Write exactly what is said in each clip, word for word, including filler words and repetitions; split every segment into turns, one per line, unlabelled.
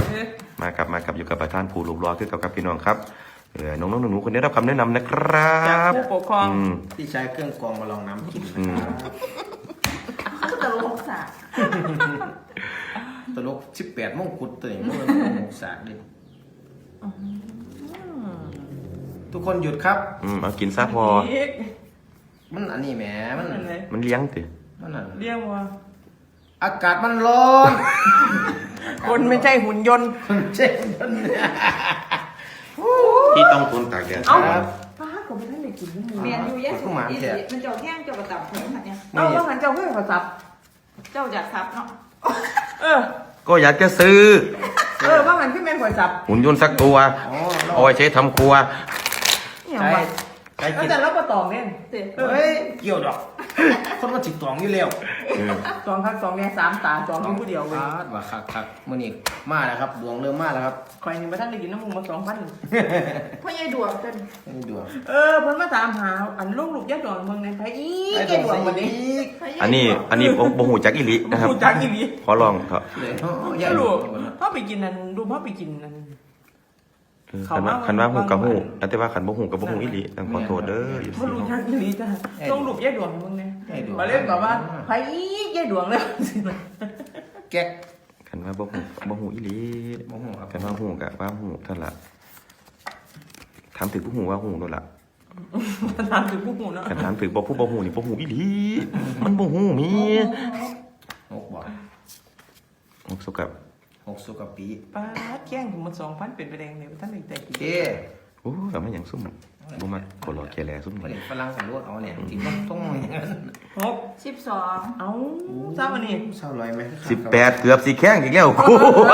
มากับมากับอยู่กับประธานผู้ลูกรอคือกับกับพี่น้องครับเออน้องๆหนูๆคนนี้รับคำแนะนำนะครับ
ผู้ปกครอง
ที่ใช้เครื่องกรองมาลองน้ำกินนะครับ
ก็ตลกสา
ตลกสิบแปดมงกุฎตัวเองมันมงสากดิทุกคนหยุดครับ
อืมเอากินซะพอ
มันอันนี้แหมมัน
มันเลี้ยงติ
มันอัน
เรียกว่า
อากาศมันร้อน
คนไม่ใช่หุ่นยนต์
เช่นนั้นเนี่ย
ที่ต้องทนตากแดด
เอ้า
ครับ
ป้าก็ไม่ทันได้กินนี่
เมียนอยู่แย่
ผู้หมาแท้
มันเจ้าแข้งเจ้ากระตับเพิ่นเนี่ย
เอ้าว่าหันเจ้าเพื่อนเขาซับ
เจ้าอยากซับเนาะ
เออ
ก็อยากจะซื้อ
เออว่าหันพี่แม่นข่อยซับ
หุ่นยนต์สักตัว
อ๋อ
เอาไว้ใช้ทำครัว
เนี่ย
ใช่
ว่า
ใช่
แล้ว
กิน
แต่เราก็ตองเนี่ย
เด็ด
เฮ้ยเกี่ยวดอก คนมาจิกตองอยู่แล้ว
ตองคักตองเนี่ยสามตาตองอยู่ผู้เดียวเว้ย
อาดว่าคักคักมื่อนี้มาแล้วครับดวงเริ่มมาแล้วครับ
ข่อยนี่มาท่านได้กินน้ำมูกมาสองพัน
พ่อใหญ่ดวงกัน
นี่ดวง
เออเพิ่นมาตามหาอันลูกลูกยัดดอนเมืองในไผอีกแกดวงวันนี้
อันนี้อันนี้บ่บ่หูจักอีหลินะครับ
ผู้จักอีหลี
ขอลองเถอะ
เลยโอ้
อย่
าย
ลู
ลู
ก
ก
พ่อไปกินนั่นดูพ่อไปกินนั่น
เออคันว่าคันว่าหูกับหูแต่ว่าคันบ่หูกับบ่หูอีหลิต้องขอโทษเด้อ
พ่อรู้จักอีหลีจ้ะต้องลูกยัดดวงเมืองเนี่ยมาเล่นแบบว่าไผอีกยัดดวงเลย
แก๊ก
คันว่าบ่หูบ่หูอีหลิ
โมโหครับ
คันว่าหูกับว่าหูเท่านั้นล่ะถามถึงผู้หูว่าหูนั่นล่ะ
ถามถึงผู้หูเนาะ
คันถามถึงบ่ผู้บ่หูนี่บ่หูอีหลิมันบ่หูมี
หกบอก
โอ้สุกับ
หกสุกปี
ป้าดแย่งถึงมันสองพันเป็นไปแดงเนี่ยท่านเด็กแต่กิน
เก้
โอ้ก็มันหยังซุ่มบ่มักคนรอแค่แลซุ่ม
วัน
นี่
นี้ฝรั่งของรถเอาเนี่ยจริงต้องต้องอย่างนั้น
หก
สิบสอง
เอ้าทราบวันนี้
เศร้าลอยไหม
สิบแปดเกือบสิแข้งอีกแล้วกู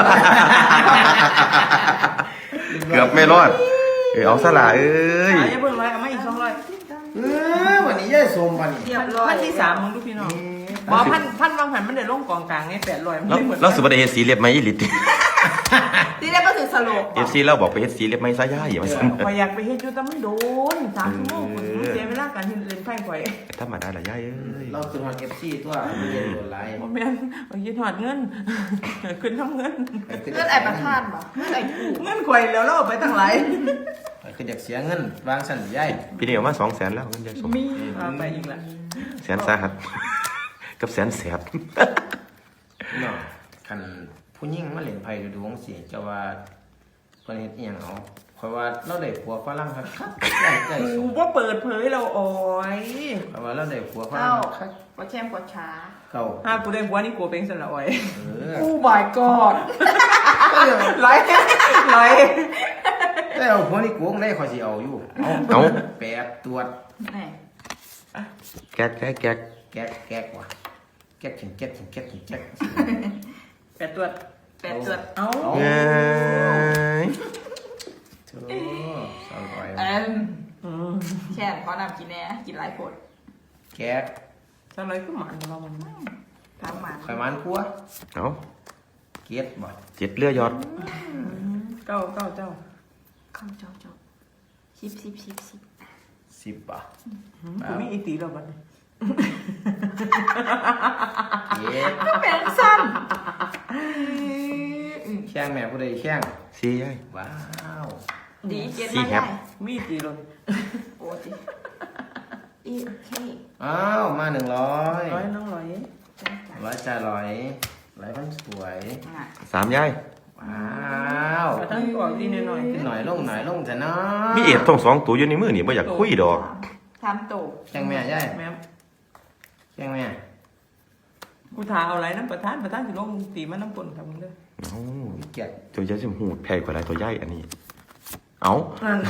เกือบไม่รอดเออเอาซะล่ะเอ้ย
หาอย่าเพิ่งร้อยเอามาอีกสองร้อย
เออวันนี้ย่ายสมวันนี้
เรียบร้อย
พันที่สามมึงดูพี่น้องบอกพันพันวางหันมันเดือดลงกองกลางเนี่ยแปดร้อยมัน
แล้ว
ไม่เหมือน
แล้วสุบัติเฮ็ดสีเล็บไหมอีหลิติ
ที่ได้ก็คือสโลก
เอฟซีเราบอกไปเฮ็ดสีเล็บไหมซะย่าอย่ามาสั่น
ข่อยอยากไปเฮ็ดอยู่แต่มันโดนสามชั่วโมงคุณมันเสียเวลาการเฮ็ดเล่นไพ่ข่อย
ธรรมดาล่ะย่าเอ้ย
เราคือวันเอฟซีตัวไม่ได้โดนไล่
บ่แม่นไปคิดหอดเงิน ขึ้นทำเงิน
เลือดไอประทานบ่เลือดไอถูก
เงินข่อยแล้วเราเอาไปตั้งหลาย
คืออยากเสียเงินวางสั่นย่าย
พี่นี่เอามาสองแสนแล้วเงินยายสม
มีเอาไปอีกละ
แสนสาหัสกับแสนแสบ
เนาะคันผู้หญิงมาเล่นไพ่ดูดวงสิจะว่าคนเฮ็ดอีหยังเอาเพราะว่าเราได้ผัวฝรั่งครับได้ได้ส
กู
ม
ว่าเปิดเผยเราโอ้ย
เพราะว่าเราได้ผัวฝ
เจ้า
รั่งครับ
ก็แชมป์กดช้า
เก่า
ถ้ากูได้หัวนี่กูเป็นสละอ้อย
เออ
โอ้ my god ไหลไหล
แต่เอาผัวนี่โกงได้ขอยสิเอาอยู่เอา
เอา
แปดตรวจ
แหม
แก๊กแก๊กแก๊ก
แก๊กแก๊กว่ะแก๊กถึงแก๊กถึงแก๊กถึงแก๊ก
แปดตัว
แปดจุด
เอ้า
เอ้ย
โธ่สาวร้อย
เอ็ม
อืม
แช่ขอนำกินแน่กินหลายคน
แก๊ก
สไลด์ก็หมันเรามัน
ทางหมัน
ข่อยมันพัว
เอา
เกียดบ่
เจ็ดเรือยอด
เก้าเก้าเจ้า
เข้าเจ้าเจ้าสิบสิบสิบสิบ
สิบบ่
กูมีอีตีเราบัดนี้
เกียด
เป็นสั้น
แข้งแม่ผู้ใดแข้ง
สี่ย่าย
ว้าว
ดีเจ็ด
สี่
มา
แฮ
ได้
ป
มีอีตีเรา
โอ้ดิอีโอเค
อ้าวมาหนึ่งร้อย
ร้อยน้องร้อย
จ้าจ้า
ร้อยจ่ายร้อยร้อยคนสวย
อ่ะ
สามย่าย
ว้าว
กระทั่งก่อนดีหน่อย
ขึ้นหน่อยลงหน่อยลงจะน้อ
มีเอ็ดทองสองตัวอยู่ในมือนี่บ่อยากคุยดอก
ทำตู
แข้งแม่ย่าย
แม่
แข้งแม่
กูถาเอาอะไรน้ำประทานประทานสิลงตีมันน้ำปนทำมึงเด้อ
เอ้า
เกียด
ตัวย่ายสิหูแพงกว่าหลายตัวย่ายอันนี้ เอา
นั่น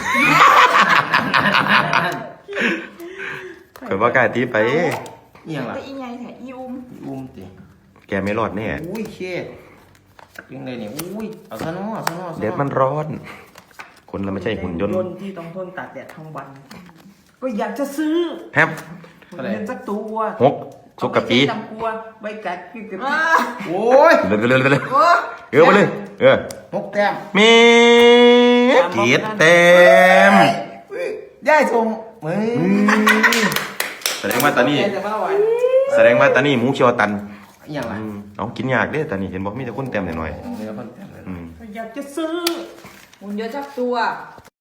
ข่อยว่ากล้าตีไป
เอียงล่ะ
แต่อีไงแถอีอุ้ม
อุ้มติ
แกไม่รอดแน่
อุ้ยเคยังไงเนี่ยอุ้ยเอาซะเน้อเอาซะเน้อ
เด็ดมันร้อน คนเราไม่ใช่หุ่นยนต์
ยนต์ที่ต้องทนตากแดดทั้งวัน ก็อยากจะซื้อ
แฮป
เงินสักตัว
หกสุกกะปี
จำกลัวใบกัดคือกับ
อ่า
โอ้ย
เลยเลยเลยเลย
โอ้
เออไปเลย เออ
หกแต้ม
มีเกียรติเต็ม
ย่ายส่งมึง
แสดงว่าตอนนี้
จะมาไหว
แสดงว่าตอนนี้หมูเขียวตัน
อหย่างไร
อืมเอากินยากเด้ตอนนี้เห็นบอกมีแต่คนเต็มหน่อย
เนื้อคนแต้มเลย
ๆอืม
ก็อยากจะซื้อ
หมุนเยอะจักตัว